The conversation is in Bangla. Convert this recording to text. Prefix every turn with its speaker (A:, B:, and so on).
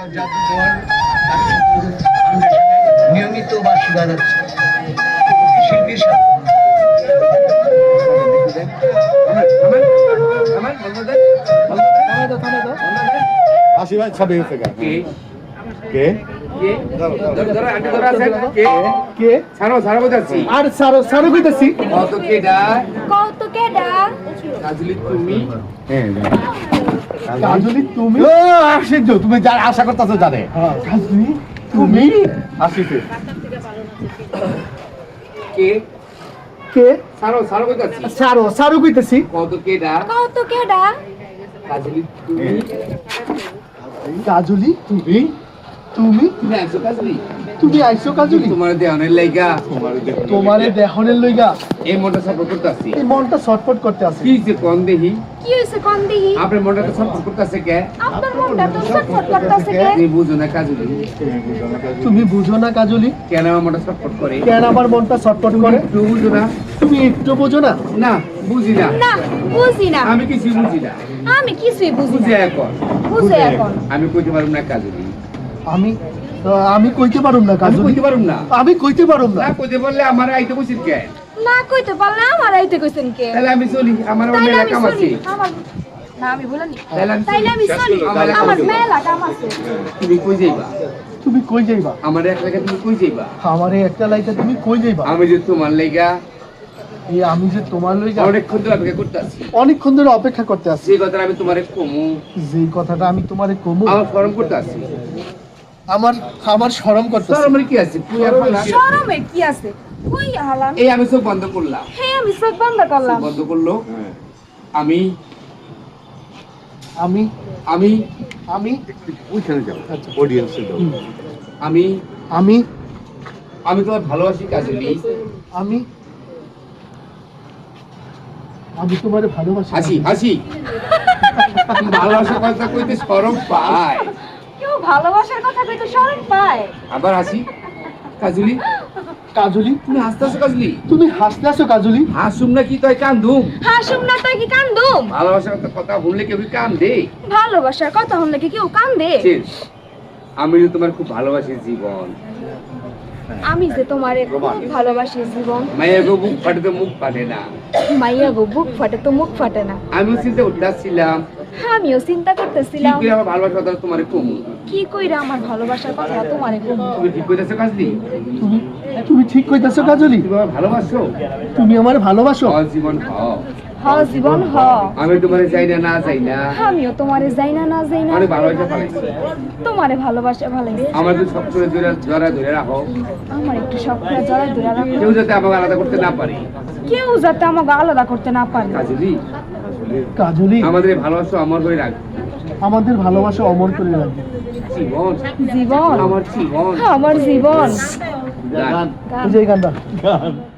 A: জাদুঘর নিয়মিত বার্ষিক বাজাচ্ছে শিল্পীর সাথে
B: তুমি যার আশা করতেছো জানে তুমি আসিতে
C: কে
B: কে
C: সারো সারো কইতাছি
B: সারো সারো কইতেছি
C: কত কেডা কাজলি তুমি
B: কাজলি তুমি তুমি
C: তুমি আইছো কাজলি
B: তুমি আইছো কাজলি
C: তোমার দেহনের লাইগা
B: তোমারে দেহনের লইগা
C: এই মনটা সাপোর্ট করতেছি
B: এই মনটা ছটফট করতে আছে
C: কি যে কোন দেহি
D: কি হইছে কোন দিহি
C: আপনার মনটা তো সাপোর্ট করতেছে কে
D: আপনার মনটা তো ছটফট করতেছে কে
C: তুমি বুঝো না কাজলি
B: তুমি বুঝো না কাজলি
C: কেন আমার মনটা সাপোর্ট করে
B: কেন আমার মনটা ছটফট করে
C: একটু বুঝো না
B: তুমি একটু বুঝো না
C: না বুঝি না
D: না বুঝি না
C: আমি কিছু বুঝি না
D: আমি কিছুই বুঝি
C: বুঝে
D: না
C: এখন
D: বুঝে এখন
C: আমি কইতে পারুম না কাজলি
B: আমি কইতে পারুম না
C: আমি
B: কাজলি
C: কইতে পারুম না
B: আমি কইতে পারুম না
C: না কইতে বললে আমার আইতে কইছিস কে
D: না কইতে পারলে আমার আইতে কইছেন কে
C: তাহলে আমি চলি আমার
D: তাইলে
C: মেলা
D: আমি
C: কাম আছে
D: চলি আমার না আমি বলিনি
C: তাইলে
D: তাইলে আমি চলি আমার মেলা কাম আছে
C: তুমি কই যাইবা
B: তুমি কই যাইবা
C: আমার এক লাগে তুমি কই যাইবা
B: আমারে একটা লাইতে তুমি কই যাইবা
C: আমি যে তোমার লাইগা
B: এই আমি যে তোমার লইগা
C: অনেকক্ষণ ধরে অপেক্ষা করতেছি
B: অনেকক্ষণ ধরে অপেক্ষা করতে আছি
C: সেই কথাটা আমি তোমারে কমু
B: যে কথাটা আমি তোমারে কমু
C: আমার ফরম করতে আছি
B: আমার আমার শরম করতেছে
C: স্যার আমার কি আছে পুয়া ফালা
D: শরমে কি আছে কই হালাম
C: এই আমি সব বন্ধ করলাম
D: হে আমি চোখ বন্ধ করলাম
C: বন্ধ করলো আমি
B: আমি
C: আমি
B: আমি
E: ওইখানে যাও অডিয়েন্সে যাও
C: আমি
B: আমি
C: আমি তোমার ভালোবাসি কাজলি
B: আমি আমি তোমারে ভালোবাসি
C: হাসি হাসি ভালোবাসার কথা কইতে শরম পায়
D: কেউ ভালোবাসার কথা কইতে শরম পায়
C: আবার হাসি কাজলি
B: কাজলি
C: তুমি হাসতেছো কাজলি
B: তুমি হাসতে আসো কাজলি
C: হাসুম না কি তুই কান্দুম
D: হাসুম না তাই কি কান্দুম
C: ভালোবাসার কথা বললে কেউ কান্দে
D: ভালোবাসার কথা হলে কি কেউ কান্দে
C: শেষ। আমি যে তোমার খুব ভালোবাসি জীবন
D: আমি যে তোমারে খুব ভালোবাসি জীবন
C: মায়ের গো বুক ফাটে তো মুখ ফাটে না
D: মাইয়া গো বুক ফাটে তো মুখ ফাটে না
C: আমিও চিন্তা করতেছিলাম
D: আমিও চিন্তা
C: কি
D: করতেছিলাম
C: করে আমার ভালোবাসার কথা তোমার কমু
D: কি কইরা আমার ভালোবাসার কথা তোমারে কম
C: তুমি ঠিক কইতেছো কাজলি
B: তুমি তুমি ঠিক কইতাছো কাজলি
C: তুমি আমার ভালোবাসো
B: তুমি আমারে ভালোবাসো
C: জীবন হও
D: হ জীবন হ
C: আমি তোমার চাই না না চাই না
D: আমিও তোমারে যাই না না যাই না
C: অনেক ভালোবাসা পালাইছি
D: তোমারে ভালোবাসা ভালোই
C: আমার তো সব করে জোরা ধরে রাখো
D: আমার একটু সব করে জড়াই ধরে রাখো
C: কেউ যাতে আমাকে আলাদা করতে না পারে
D: কেউ যাতে আমাকে আলাদা করতে না পারে
C: কাজলি
B: কাজলি
C: আমাদের এই ভালোবাসা অমর হয়ে রাখবে
B: আমাদের ভালোবাসা অমর করে রাখবে
C: জীবন
D: জীবন
C: আমার জীবন
D: আমার জীবন
C: গান।
D: গান।
B: এই যে এই গানটা